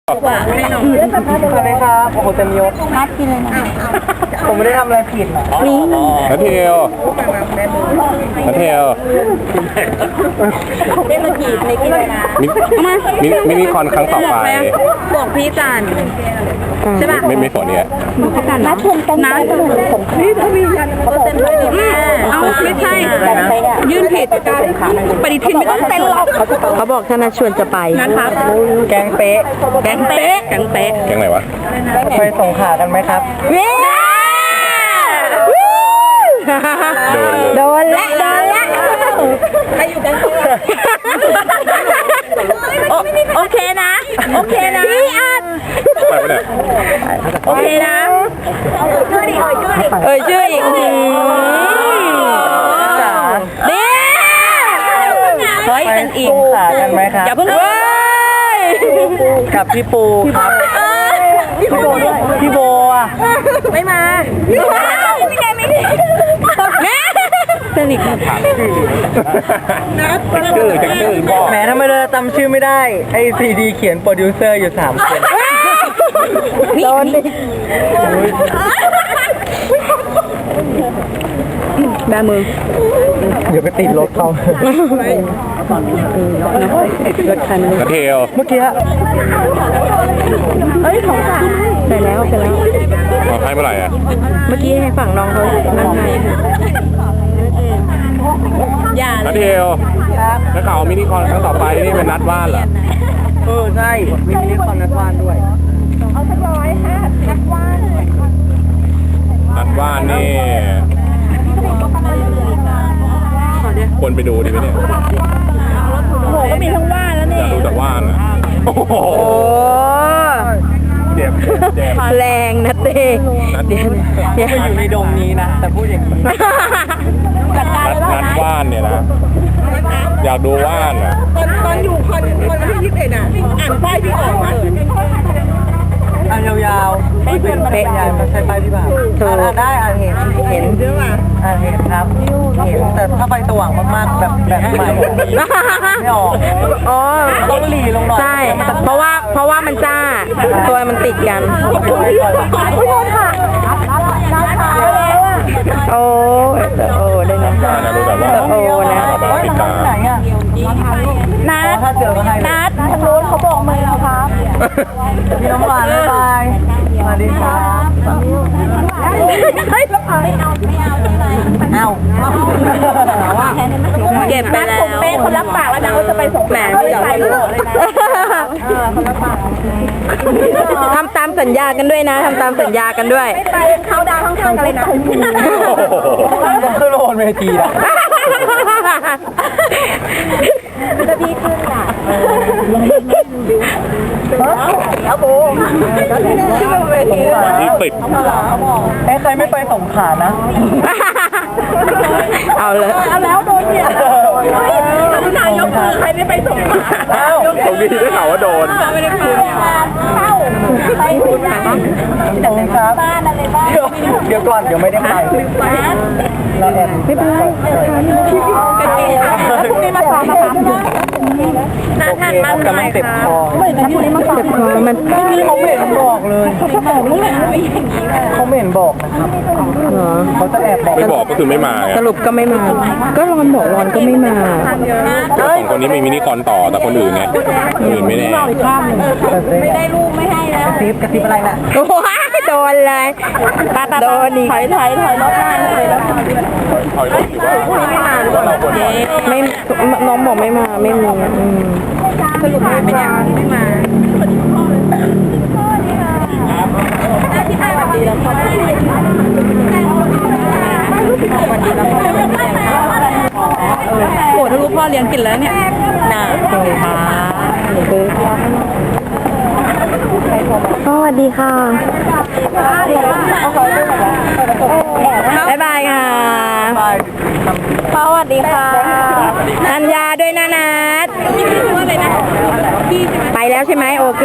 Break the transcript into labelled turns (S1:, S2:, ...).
S1: ให้น้องสวัสดีครับโอ้โหเต็มยศนัดกินเลยนะผมไม่ได้ทำอะไรผิด
S2: นี่นัทเทลนัทเทล
S1: ไม่มาขีดในกินเลยนะ
S2: มินิคอนครั้งต่อไป
S3: บอกพี่จันใช่ป่ะ
S2: ไม่สนเนี่ย
S3: นัดชมกันนะนี่ทวียันเขาเซ็นด้วยดิเอาไม่ใช่ยื่นผิดปฏิทินไม่ต้องเซ็นหรอกเขาบอกถ้านัดชวนจะไปนะครับ
S1: แกงเป๊ะ
S3: แกงเป๊ะแกงเป๊ะ
S2: แกงไหนวะ
S1: ไปส่งขากันไหมครับ
S3: โดนละใครอยู่กันโอเคนะพี่อัด
S2: ไปปะเนี่ย
S3: โอเคนะชื่ออีกนี่เฮ้ยเป็นอีก
S1: ขากันไหมครับ
S3: อย่าเพิ่ง
S1: กับพี่ปูครับพี่โบอ่ะ
S3: ไม่มาไม่ได้สนิท
S2: ถามชื่อบอก
S1: แหมทำไมเราจำชื่อไม่ได้ไอ้ซีดีเขียนโปรดิวเซอร์อยู่3 คน
S3: โดนดิแบมือ
S1: เดี๋ยวไปติดรถเขา
S2: นัทเทล
S1: เมื่อกี้
S3: ของฝากไปแล้ว
S2: ให้เมื่อไหร่อ่ะ
S3: เมื่อกี้ให้ฝั่งน้องเขานั่นไง
S2: นัทเทลแล้วข่าวมินิคอนครั้งต่อไปนี่เป็นนัดว่านเหรอ
S1: ใช่มีมินิคอนนัดว่านด้วย
S3: เอาสัก100
S2: นัดว่านนี่คนไปดูดีไหมเนี่ย
S3: โอ้โหก็มีทั้งว่านแล้วนี่
S2: อยากดูแต่ว่านอ่ะโอ้โหเจ็บ
S3: แรงนะเต้
S1: ไม่อยู่ในดงนี้นะแต่พูดอย่างนี้
S2: นัดว่านเนี่ยนะอยากดูว่านอ่ะ
S3: ตอนอยู่คอนที่21อ่ะอ่านป้ายที่ออกมา
S1: อ่านยาวๆไม่เป็นเป๊ะยายมาใช้ป้ายพี่บ่าวได้อ่านเห็น
S3: ใช่ป่ะ
S1: เห็นครับเห็นแต่ถ้าไฟสว่างมากๆแบบใหม่ไม่ออกต้องหลีลงหน่อย
S3: ใช่เพราะว่ามันจ้าตัวมันติดกันโอ้ได้นะ
S2: ดูแต่ว่า
S3: นะ
S2: ติดตา
S3: นัดทางโน้นเขาบอกมือแล้วครับ
S1: พี่น้องหวานบ๊ายบายสวัสดีครับ
S3: เก็บไปแล้วเป้คนรับปากแล้วนะเขาจะไปส่งแหมไม่ยอมให้รู้เลยนะทำตามสัญญากันด้วยนะทำตามสัญญากันด้วยไปเขาดาวข้างๆกันเลยนะ
S1: ขึ้นโอนเวทีอ่ะ
S3: จะดีขึ้นอ่ะเดี๋ยวโบ
S2: นี่ปิด
S1: ใครไม่ไปสงขลานะ
S3: เอาแล้วโดนเนี่ยนายกใครไม่ไปส่งมา
S2: ตรงนี้ได้ข่าวว่าโดน
S3: ไม่ได้เข้าไปคุณ
S1: ครับเดี๋ยวก่อนเดี๋ยวไม่ได้ไปเราแอบไม่เป็นไร
S3: พรุ่งนี้มาสอนนะคะน่าทานมากเลย
S1: เจ็บคอ
S3: พรุ่งนี้มาสอน
S1: มันเขาไม่เห็นบอกเลยเขาไม่เห็นบอกนะครับเขาจะแอบบอก
S2: ไม่บอกก็คือไม่มา
S3: สรุปก็ไม่มาก็รอนบอกรอนก็ไม่มา
S2: 2 คนนี้มีมินิคอนต่อแต่คนอื่นไงคนอื่นไม่แน่
S3: ไม่ได้ลูกไม่ให้แล้ว
S1: กระซิบอะไรน่ะ
S3: โอ้ยโดนเลยโดนอีกถอยรถบ้านเลยแล้ว
S2: ถอยรถอยู่ว่า
S3: ไม่มาหรือเปล่าไม่น้องบอกไม่มาไม่มีสรุปมาไม่ยังไม่มาโอ้ทะลุพ่อเลี้ยงกินแล้วเนี่ยน่าเลยค่ะสวัสดีค่ะบ๊ายบายค่ะสวัสดีค่ะนัญญาด้วยนะนัดไปแล้วใช่ไหมโอเค